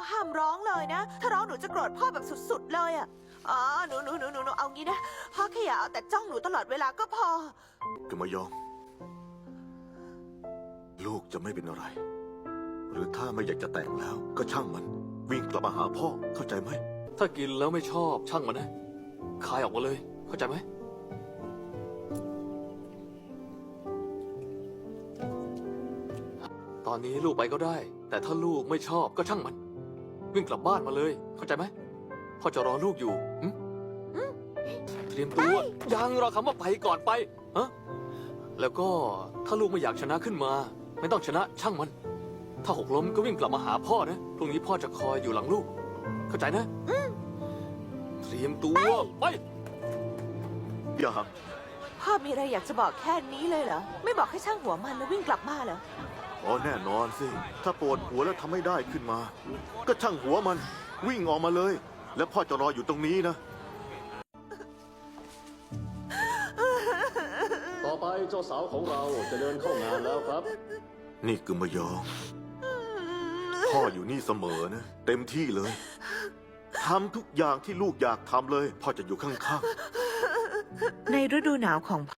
ห้ามร้องเลยนะ ถ้าร้องหนูจะโกรธพ่อแบบสุดๆเลยอะอ๋อหนูเอางี้นะพ่อแค่อย่าเอาแต่จ้องหนูตลอดเวลาก็พอกึมยอง ลูกจะไม่เป็นอะไร หรือถ้าไม่อยากจะแต่งแล้ว ก็ช่างมัน วิ่งกลับมาหาพ่อเข้าใจไหมถ้ากินแล้วไม่ชอบช่างมันนะคายออกมาเลย เข้าใจไหมตอนนี้ลูกไปก็ได้ แต่ถ้าลูกไม่ชอบก็ช่างมัน วิ่งกลับบ้านมาเลย เข้าใจไหมพ่อจะรอลูกอยู่เตรียมตัวยังรอคำว่าไปก่อนไปฮะแล้วก็ถ้าลูกไม่อยากชนะขึ้นมา ไม่ต้องชนะช่างมัน ถ้าหกล้มก็วิ่งกลับมาหาพ่อนะพรุ่งนี้พ่อจะคอยอยู่หลังลูก เข้าใจนะเตรียมตัวไปอย่าพ่อมีอะไรอยากจะบอกแค่นี้เลยเหรอ ไม่บอกให้ช่างหัวมันแล้ววิ่งกลับมาเหรออ๋อแน่นอนสิ ถ้าปวดหัวแล้วทำไม่ได้ขึ้นมา ก็ช่างหัวมัน วิ่งออกมาเลย แล้วพ่อจะรออยู่ตรงนี้นะต่อไปเจ้าสาวของเราจะเดินเข้างานแล้วครับนี่กึมยอง พ่ออยู่นี่เสมอนะ เต็มที่เลยทำทุกอย่างที่ลูกอยากทำเลย พ่อจะอยู่ข้างๆในฤดูหนาวของ